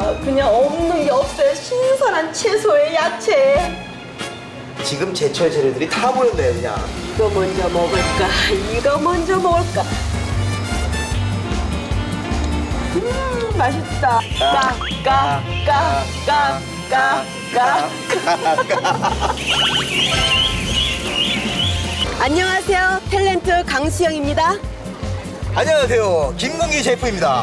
그냥 없는 게 없어요. 신선한 채소에 야채. 지금 제철 재료들이 다 모였네요, 그냥. 이거 먼저 먹을까? 이거 먼저 먹을까? 맛있다. 안녕하세요. 탤런트 강수영입니다. 안녕하세요, 김건기 셰프입니다.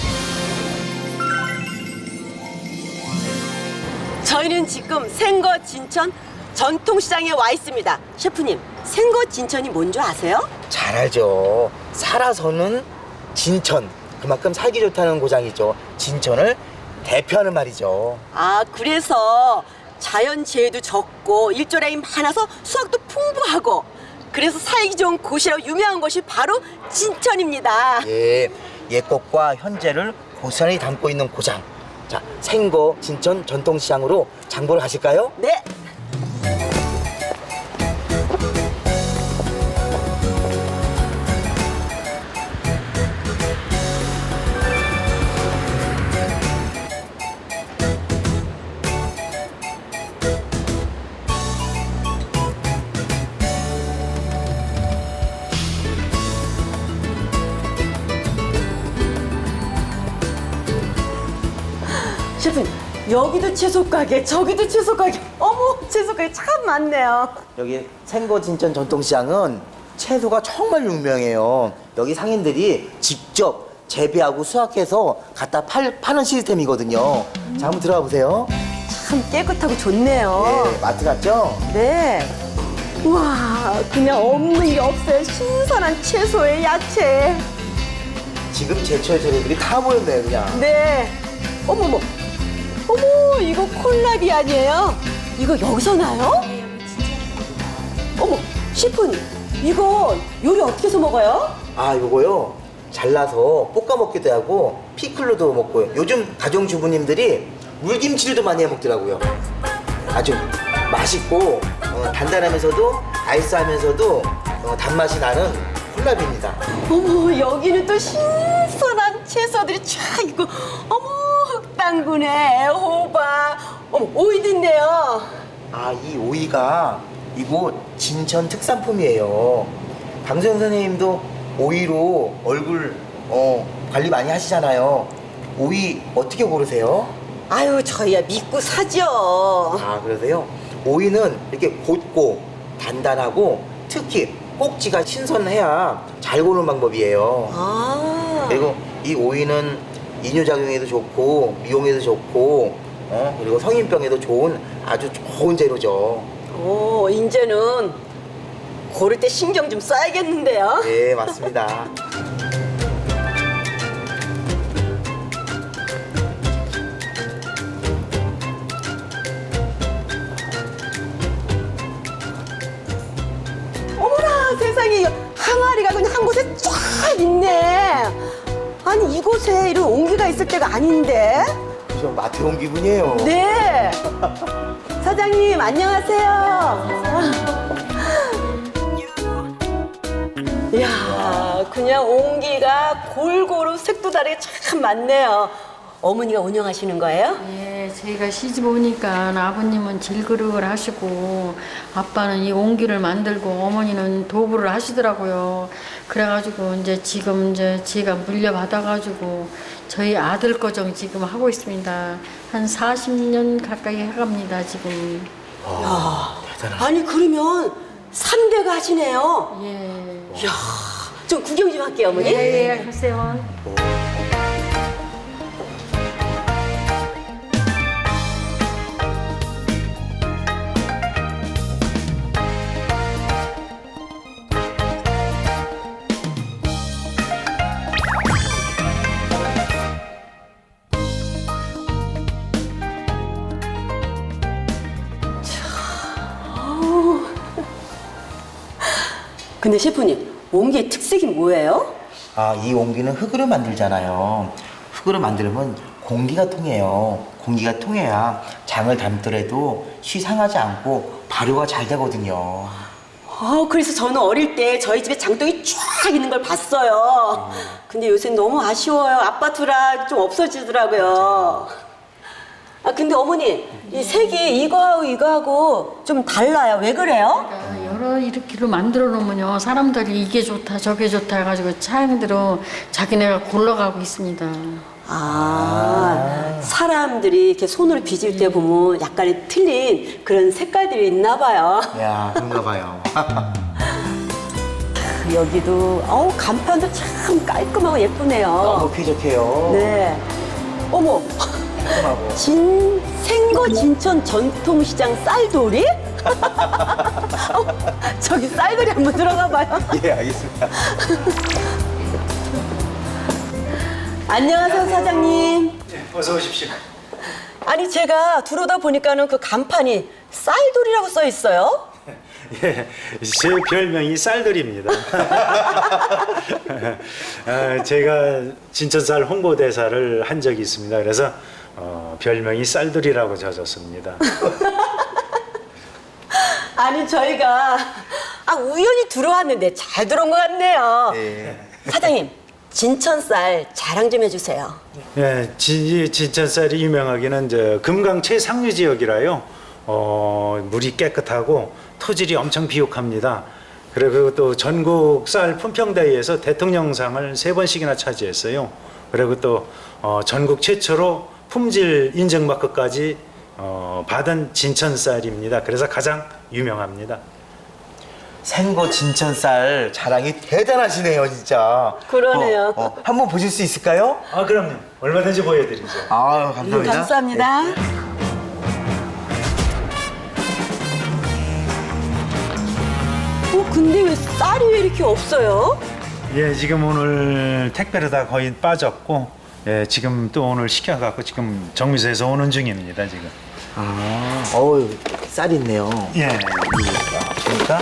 저희는 지금 생거 진천 전통시장에 와 있습니다. 셰프님, 생거 진천이 뭔지 아세요? 잘 알죠. 살아서는 진천, 그만큼 살기 좋다는 고장이죠. 진천을 대표하는 말이죠. 아, 그래서 자연재해도 적고 일조량이 많아서 수확도 풍부하고 그래서 살기 좋은 곳이라고 유명한 곳이 바로 진천입니다. 예, 옛것과 현재를 고스란히 담고 있는 고장. 자, 생거 진천 전통시장으로 장보러 가실까요? 네. 셰프님, 여기도 채소 가게, 저기도 채소 가게. 어머, 채소 가게 참 많네요. 여기 생거 진천 전통시장은 채소가 정말 유명해요. 여기 상인들이 직접 재배하고 수확해서 갖다 파는 시스템이거든요. 자, 한번 들어가 보세요. 참 깨끗하고 좋네요. 네, 마트 같죠? 네. 우와, 그냥 없는 게 없어요. 신선한 채소에 야채. 지금 제철 재료들이 다 모였네요, 그냥. 네. 어머머. 어머, 이거 콜라비 아니에요? 이거 여기서 나요? 어머, 셰프님. 이거 요리 어떻게 해서 먹어요? 아, 요거요. 잘라서 볶아 먹기도 하고 피클로도 먹고요. 요즘 가정주부님들이 물김치류도 많이 해 먹더라고요. 아주 맛있고 단단하면서도 아이스하면서도 단맛이 나는 콜라비입니다. 어머, 여기는 또 신선한 채소들이 쫙 있고, 어머, 흑당근에 호박, 어머, 오이도 있네요. 아, 이 오이가 이곳 진천 특산품이에요. 강소영 선생님도 오이로 얼굴 관리 많이 하시잖아요. 오이 어떻게 고르세요? 아유, 저희야 믿고 사죠. 아, 그러세요? 오이는 이렇게 곧고 단단하고 특히 꼭지가 신선해야 잘 고르는 방법이에요. 아, 그리고 이 오이는 이뇨작용에도 좋고 미용에도 좋고 그리고 성인병에도 좋은 아주 좋은 재료죠. 오, 이제는 고를 때 신경 좀 써야겠는데요. 네, 맞습니다. 어머나, 세상에, 이거 항아리가 그냥 한 곳에 쫙 있네. 아니, 이곳에 이런 온기가 있을 때가 아닌데. 좀 마트 온 기분이에요. 네. 사장님, 안녕하세요. 이야, 그냥 온기가 골고루 색도 다르게 참 많네요. 어머니가 운영하시는 거예요? 예, 저희가 시집 오니까 아버님은 질그릇을 하시고 아빠는 이 옹기를 만들고 어머니는 도구를 하시더라고요. 그래가지고 지금 제가 물려받아가지고 저희 아들 거정 지금 하고 있습니다. 한 40년 가까이 해갑니다, 지금. 대단하다. 아니, 그러면 3대가 하시네요. 예. 이야, 좀 구경 좀 할게요, 어머니. 예, 하세요. 근데 셰프님, 옹기의 특색이 뭐예요? 아, 이 옹기는 흙으로 만들잖아요. 흙으로 만들면 공기가 통해요. 공기가 통해야 장을 담더라도 쉬 상하지 않고 발효가 잘 되거든요. 그래서 저는 어릴 때 저희 집에 장독이 쫙 있는 걸 봤어요. 근데 요새 너무 아쉬워요. 아파트라 좀 없어지더라고요. 아 근데 어머니 이 색이 이거하고 이거하고 좀 달라요. 왜 그래요? 여러 이렇게로 만들어 놓으면요 사람들이 이게 좋다 저게 좋다 해가지고 차량대로 자기네가 골라가고 있습니다. 사람들이 이렇게 손으로 빚을 때 보면 약간의 틀린 그런 색깔들이 있나 봐요. 야, 그런가 봐요. 여기도 간판도 참 깔끔하고 예쁘네요. 너무 쾌적해요. 네. 어머, 깔끔하고. 생거 진천 전통시장 쌀돌이? 저기 쌀돌이 한번 들어가 봐요. 예, 알겠습니다. 안녕하세요, 사장님. 어서 오십시오. 아니 제가 들어오다 보니까는 그 간판이 쌀돌이라고 써 있어요. 예, 제 별명이 쌀돌입니다. 제가 진천쌀 홍보대사를 한 적이 있습니다. 그래서 별명이 쌀돌이라고 져졌습니다. 아니 저희가 우연히 들어왔는데 잘 들어온 것 같네요. 네. 사장님 진천쌀 자랑 좀 해주세요. 예, 진천쌀이 유명하기는 금강 최상류 지역이라요. 물이 깨끗하고 토질이 엄청 비옥합니다. 그리고 또 전국 쌀 품평대회에서 대통령상을 3번씩이나 차지했어요. 그리고 또 전국 최초로 품질 인증 마크까지 받은 진천쌀입니다. 그래서 가장 유명합니다. 생거 진천쌀 자랑이 대단하시네요, 진짜. 그러네요. 한번 보실 수 있을까요? 아, 그럼요. 얼마든지 보여드리죠. 아, 감사합니다. 감사합니다. 근데 왜 쌀이 왜 이렇게 없어요? 예, 지금 오늘 택배로 다 거의 빠졌고, 예, 지금 또 오늘 시켜갖고 지금 정미소에서 오는 중입니다, 지금. 어우, 쌀 있네요. 예. 보니까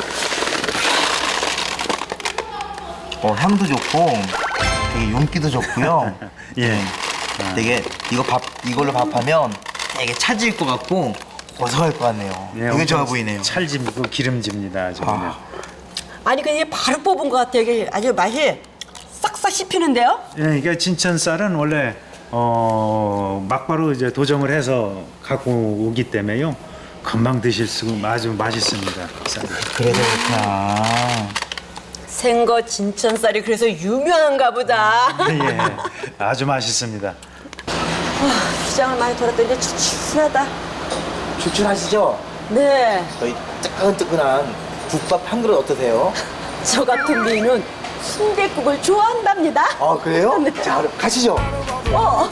향도 좋고 되게 윤기도 좋고요. 예. 되게 이걸로 밥하면 되게 차질 것 같고 고소할 것 같네요. 예, 되게 좋아 엄청 보이네요. 찰지고 기름집니다, 아주 그냥. 아니 그냥 바로 뽑은 것 같아요. 이게 아주 맛이 싹싹 씹히는데요? 예, 이게 진천쌀은 원래 막바로 이제 도정을 해서 갖고 오기 때문에요. 금방 드실 수 아주 맛있습니다. 쌀이. 그래서 그렇구나. 생거 진천쌀이 그래서 유명한가 보다. 예, 아주 맛있습니다. 시장을 많이 돌았더니 이제 추출하다. 추출하시죠? 네, 저희 뜨끈뜨끈한 국밥 한 그릇 어떠세요? 저 같은 미인은 순댓국을 좋아한답니다. 아, 그래요? 네. 자, 그럼 가시죠. 어.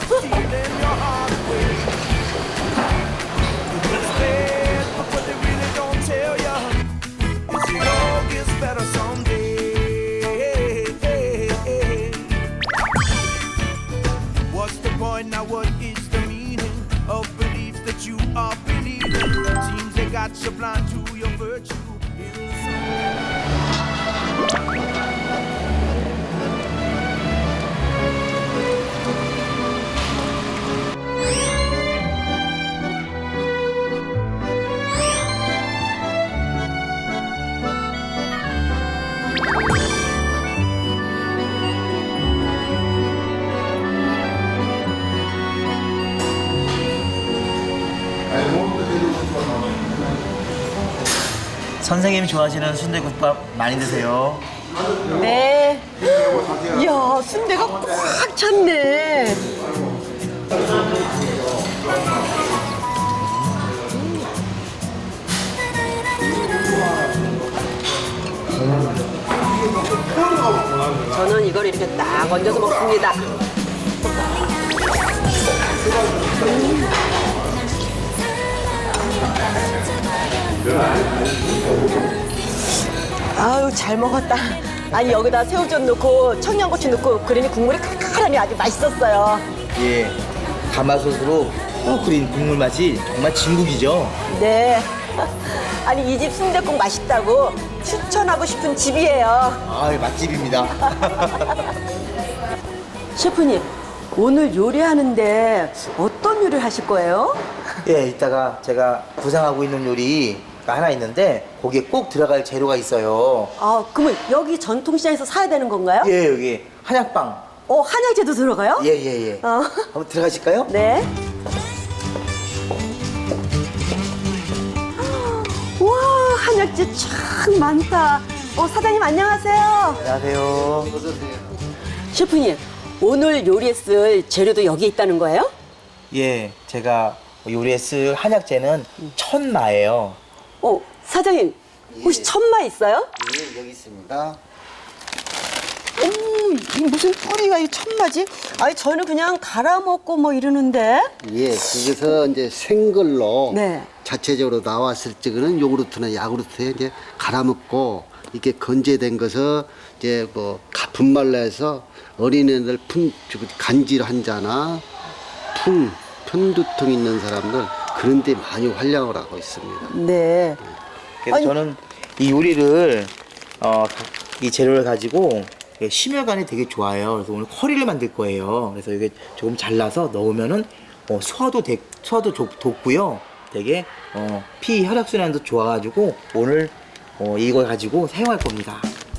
What's the point now? What is the meaning of beliefs that you are believing? Seems they got you blind to your virtue. 선생님이 좋아하시는 순대국밥 많이 드세요. 네. 이야, 순대가 꽉 찼네. 저는 이걸 이렇게 딱 얹어서 먹습니다. 아유, 잘 먹었다. 아니, 여기다 새우젓 넣고 청양고추 넣고 그러니 국물이 칼칼하니 아주 맛있었어요. 예, 가마솥으로 푹 끓인 국물 맛이 정말 진국이죠. 네. 아니, 이 집 순댓국 맛있다고 추천하고 싶은 집이에요. 아, 맛집입니다. 셰프님, 오늘 요리하는데 어떤 요리를 하실 거예요? 예, 이따가 제가 구상하고 있는 요리가 하나 있는데 거기에 꼭 들어갈 재료가 있어요. 아, 그러면 여기 전통시장에서 사야 되는 건가요? 예, 여기 한약빵. 한약재도 들어가요? 예. 한번 들어가실까요? 네. 한약재 참 많다. 사장님 안녕하세요. 안녕하세요. 셰프님, 오늘 요리에 쓸 재료도 여기 있다는 거예요? 예, 제가 요리에 쓸 한약재는 천마예요. 사장님, 혹시 천마 있어요? 예, 여기 있습니다. 이 무슨 뿌리가 이 천마지? 아니, 저는 그냥 갈아 먹고 뭐 이러는데. 예, 그래서 이제 생걸로 네. 자체적으로 나왔을 적에는 요구르트나 야구르트에 이제 갈아먹고 이렇게 건재된 것을 이제 뭐 분말로 해서 어린애들 간질 환자나 편두통 있는 사람들 그런 데 많이 활용을 하고 있습니다. 네. 그래서 아니. 저는 이 요리를 이 재료를 가지고 심혈관이 되게 좋아요. 그래서 오늘 커리를 만들 거예요. 그래서 이게 조금 잘라서 넣으면은 소화도 돋고요. 되게 피 혈액 순환도 좋아가지고 오늘 이걸 가지고 사용할 겁니다.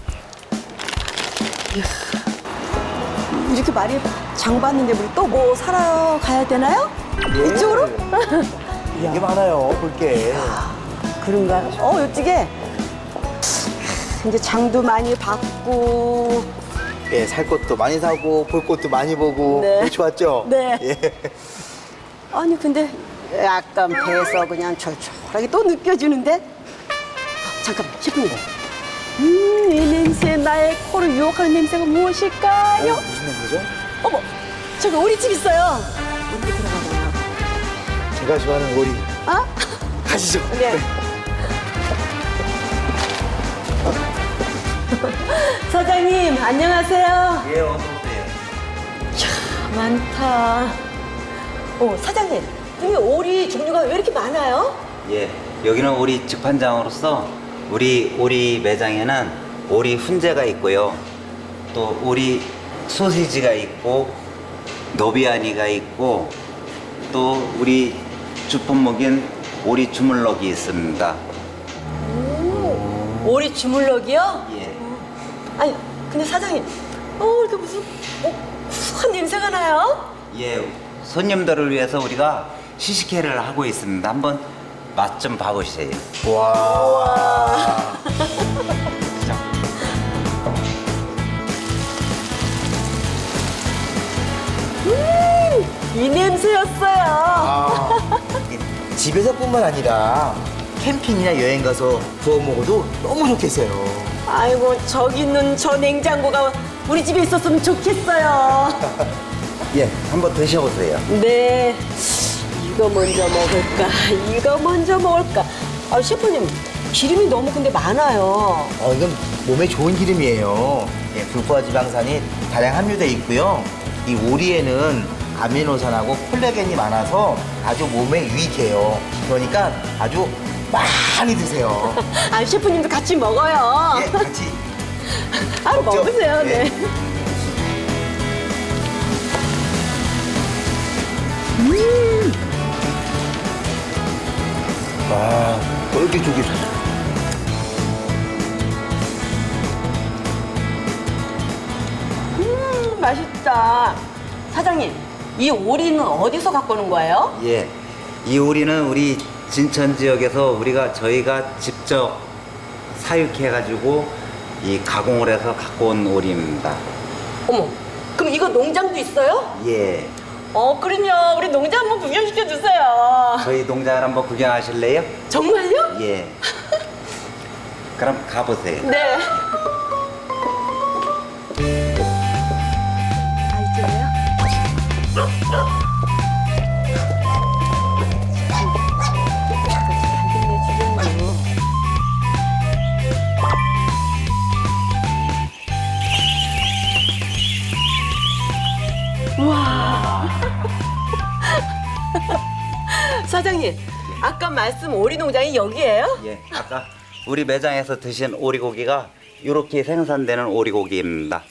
이렇게 많이 장 봤는데 우리 또 뭐 사러 가야 되나요? 이쪽으로? 되게 많아요. 볼게. 그런가? 이쪽에 이제 장도 많이 봤고. 예, 살 것도 많이 사고 볼 것도 많이 보고 네. 좋았죠? 네. 예. 아니 근데 약간 배에서 그냥 철철하게 또 느껴지는데. 잠깐만, 셰프님. 이 냄새, 나의 코를 유혹하는 냄새가 무엇일까요? 무슨 냄새죠? 어머, 저기 오리집 있어요. 우리 들어가봐요. 제가 좋아하는 오리. 아? 가시죠. 네. 사장님, 안녕하세요. 예, 어서 오세요. 많다. 사장님, 여기 오리 종류가 왜 이렇게 많아요? 예, 여기는 오리 직판장으로서 우리 오리 매장에는 오리 훈제가 있고요. 또 오리 소시지가 있고 노비아니가 있고 또 우리 주품목인 오리 주물럭이 있습니다. 오리 주물럭이요? 예. 아니, 근데 사장님, 이렇게 무슨 구수한 냄새가 나요? 예, 손님들을 위해서 우리가 시식회를 하고 있습니다. 한번 맛 좀 봐보세요. 와. 이 냄새였어요. 집에서뿐만 아니라 캠핑이나 여행 가서 구워 먹어도 너무 좋겠어요. 아이고, 저기 있는 저 냉장고가 우리 집에 있었으면 좋겠어요. 예, 한번 드셔보세요. 네. 이거 먼저 먹을까? 이거 먼저 먹을까? 셰프님, 기름이 너무 근데 많아요. 이건 몸에 좋은 기름이에요. 예, 불포화 지방산이 다량 함유되어 있고요. 이 오리에는 아미노산하고 콜라겐이 많아서 아주 몸에 유익해요. 그러니까 아주 많이 드세요. 셰프님도 같이 먹어요. 예, 같이. 먹죠? 먹으세요. 예. 네. 와, 쫄깃쫄깃. 맛있다. 사장님, 이 오리는 어디서 갖고 오는 거예요? 예, 이 오리는 우리 진천 지역에서 저희가 직접 사육해가지고 이 가공을 해서 갖고 온 오리입니다. 어머, 그럼 이거 농장도 있어요? 예, 그럼요. 우리 농장 한번 구경시켜 주세요. 저희 농장을 한번 구경하실래요? 정말요? 예. 그럼 가보세요. 네. 이쪽이요? 와. 사장님, 아까 말씀 오리 농장이 여기예요? 예, 아까 우리 매장에서 드신 오리고기가 이렇게 생산되는 오리고기입니다.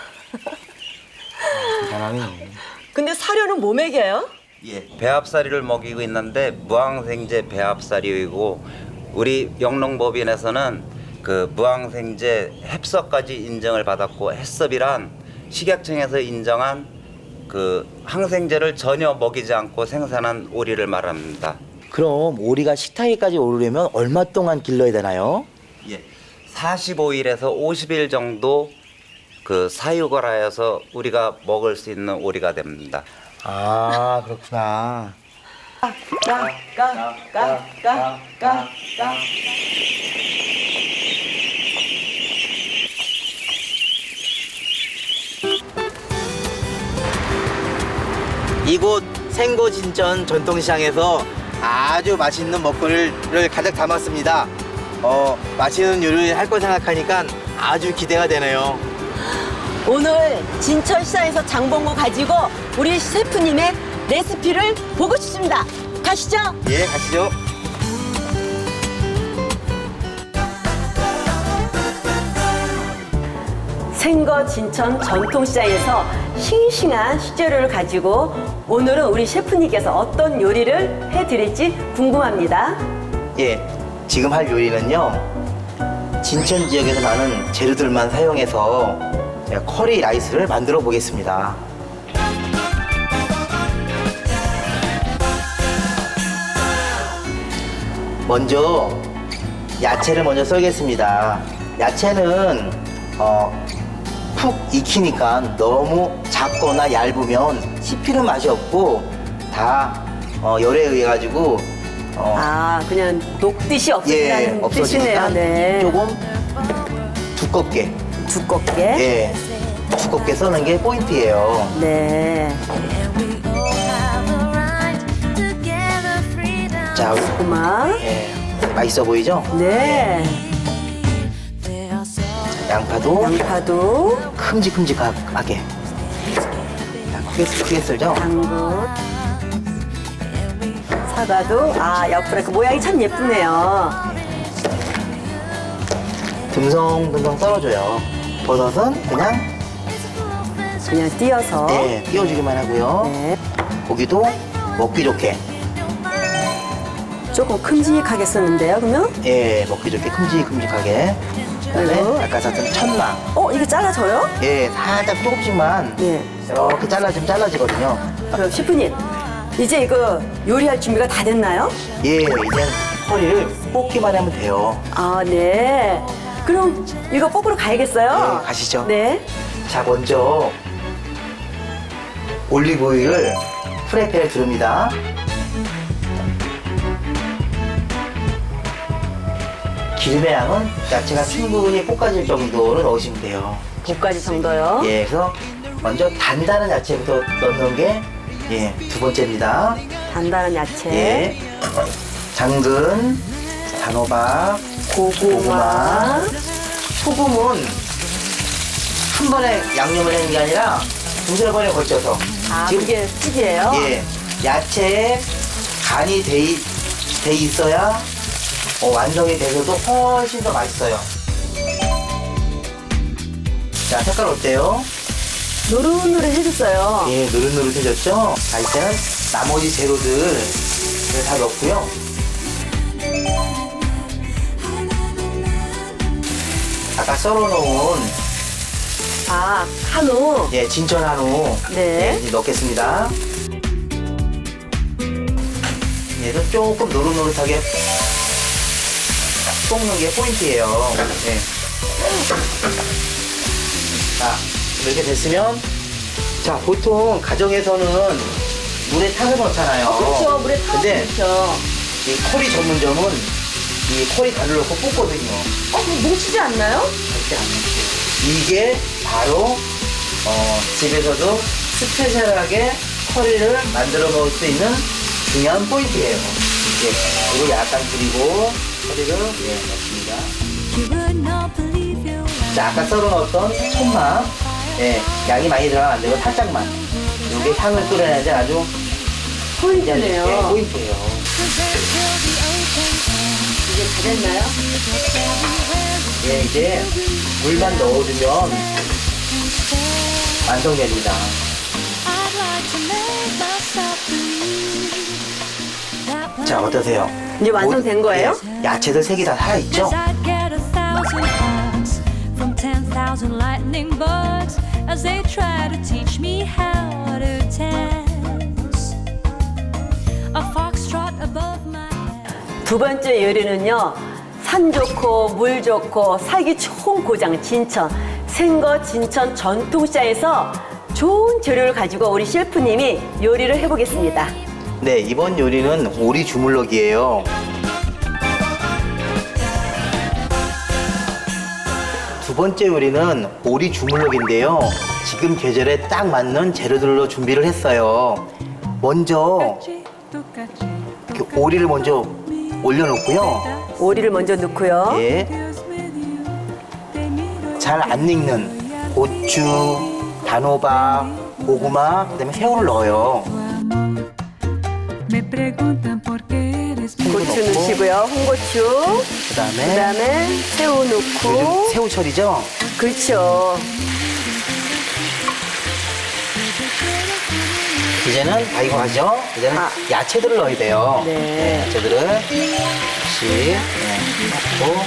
대단하네. 근데 사료는 뭐 먹여요? 예, 배합사리를 먹이고 있는데 무항생제 배합사리이고 우리 영농법인에서는 그 무항생제 햅섭까지 인정을 받았고 햅섭이란 식약청에서 인정한 그 항생제를 전혀 먹이지 않고 생산한 오리를 말합니다. 그럼 오리가 식탁에까지 오르려면 얼마 동안 길러야 되나요? 예. 45일에서 50일 정도 그 사육을 하여서 우리가 먹을 수 있는 오리가 됩니다. 아, 그렇구나. 이곳 생고진천 전통시장에서 아주 맛있는 먹거리를 가득 담았습니다. 맛있는 요리를 할 거 생각하니까 아주 기대가 되네요. 오늘 진천시장에서 장본 거 가지고 우리 셰프님의 레시피를 보고 싶습니다. 가시죠. 예, 가시죠. 생거 진천 전통시장에서 싱싱한 식재료를 가지고 오늘은 우리 셰프님께서 어떤 요리를 해드릴지 궁금합니다. 예, 지금 할 요리는요, 진천 지역에서 나는 재료들만 사용해서 제가 커리 라이스를 만들어 보겠습니다. 먼저 야채를 먼저 썰겠습니다. 야채는 푹 익히니까 너무 작거나 얇으면 씹히는 맛이 없고 다 열에 의해 가지고 아, 그냥 녹듯이 없어지라는 뜻이네요. 없어지니까 네. 조금 두껍게 두껍게. 두껍게 써는 게 포인트예요. 네. 자, 고마. 맛있어 보이죠? 네. 양파도 양파도 큼직큼직하게 크게 썰죠? 당근. 사과도 옆으로 그 모양이 참 예쁘네요. 듬성듬성 썰어줘요. 버섯은 그냥 띄어서. 띄워주기만 하고요. 네. 고기도 먹기 좋게 조금 큼직하게 쓰는데요, 그러면? 먹기 좋게 큼직큼직하게. 그다음에 그리고? 아까 썼던 천마 이게 잘라져요? 살짝 조금씩만 네. 이렇게 잘라주면 잘라지거든요. 그럼 셰프님, 이제 이거 요리할 준비가 다 됐나요? 이제 허리를 뽑기만 하면 돼요. 아, 네. 그럼 이거 뽑으러 가야겠어요? 네, 가시죠. 네. 자, 먼저 올리브오일을 프라이팬에 두릅니다. 기름의 양은 야채가 충분히 볶아질 정도로 넣으시면 돼요. 5가지 정도요? 그래서 먼저 단단한 야채부터 넣는 게 두 번째입니다. 단단한 야채, 당근, 단호박, 고구마, 소금은 한 번에 양념을 하는 게 아니라 두세 번에 걸쳐서 이게 찌개예요? 야채에 간이 돼 있어야 완성이 돼서도 훨씬 더 맛있어요. 자, 색깔 어때요? 노릇노릇해졌어요. 노릇노릇해졌죠? 자, 이제는 나머지 재료들을 다 넣고요. 아까 썰어놓은 한우. 진천 한우 네. 이제 넣겠습니다. 얘도 조금 노릇노릇하게 볶는 게 포인트예요. 자, 이렇게 됐으면 보통 가정에서는 물에 타서 넣잖아요. 그렇죠. 물에 타서 근데 넣죠. 이 커리 전문점은 이 커리 가루를 넣고 볶거든요. 그럼 뭉치지 않나요? 절대 안 뭉쳐요. 이게 바로 집에서도 스페셜하게 커리를 만들어 먹을 수 있는 중요한 포인트예요. 그리고 약간 그리고 커리를 넣습니다. 자, 아까 썰어 넣었던 천마 양이 많이 들어가면 안 되고 살짝만 이게 향을 끌어내야지 아주 포인트네요. 포인트예요. 이제 다 됐나요? 이제 물만 넣어주면 완성됩니다. 자, 어떠세요? 이제 완성된 거예요? 야채들 색이 다 살아있죠? From 10,000 lightning bugs as they try to teach me how to dance. A foxtrot above my head. 두 번째 요리는요, 산 좋고 물 좋고 살기 좋은 고장 진천 생거 진천 전통시장에서 좋은 재료를 가지고 우리 셰프님이 요리를 해보겠습니다. 네, 이번 요리는 오리 주물럭이에요. 두 번째 요리는 오리 주물럭인데요. 지금 계절에 딱 맞는 재료들로 준비를 했어요. 먼저 이렇게 오리를 먼저 올려놓고요. 오리를 먼저 넣고요. 예. 잘 안 익는 고추, 단호박, 고구마, 그다음에 새우를 넣어요. 고추 넣으시고요. 홍고추. 그다음에 새우 넣고. 요즘 새우철이죠? 그렇죠. 이제는 다 익어가죠? 이제는 야채들을 넣어야 돼요. 네. 야채들을 혹시 넣고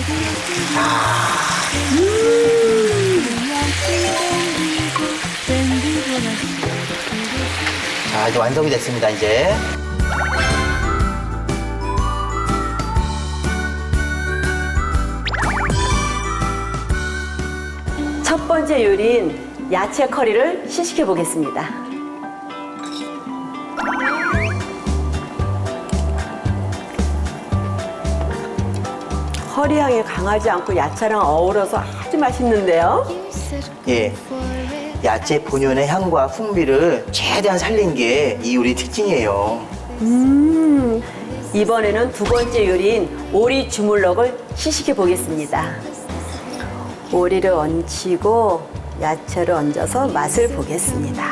자, 이제 완성이 됐습니다, 이제. 첫 번째 요리인 야채 커리를 시식해 보겠습니다. 커리 향이 강하지 않고 야채랑 어우러서 아주 맛있는데요. 예. 야채 본연의 향과 풍미를 최대한 살린 게 이 요리 특징이에요. 이번에는 두 번째 요리인 오리 주물럭을 시식해 보겠습니다. 오리를 얹히고 야채를 얹어서 맛을 보겠습니다.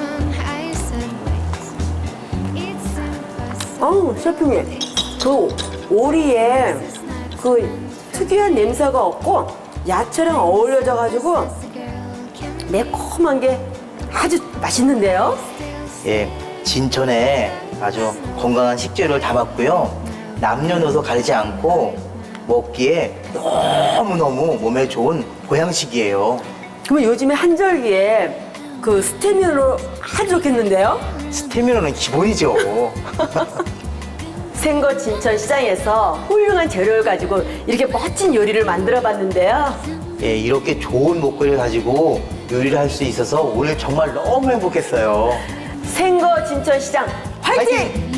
셰프님, 그 오리에 그 특유한 냄새가 없고 야채랑 어울려져 가지고 매콤한 게 아주 맛있는데요. 예. 진천에 아주 건강한 식재료를 담았고요. 남녀노소 가리지 않고 먹기에 너무너무 몸에 좋은 보양식이에요. 그러면 요즘에 한절기에 그 스테미너로 아주 좋겠는데요? 스테미너는 기본이죠. 생거 진천 시장에서 훌륭한 재료를 가지고 이렇게 멋진 요리를 만들어 봤는데요. 예, 이렇게 좋은 목걸이를 가지고 요리를 할 수 있어서 오늘 정말 너무 행복했어요. 생거 진천 시장 화이팅!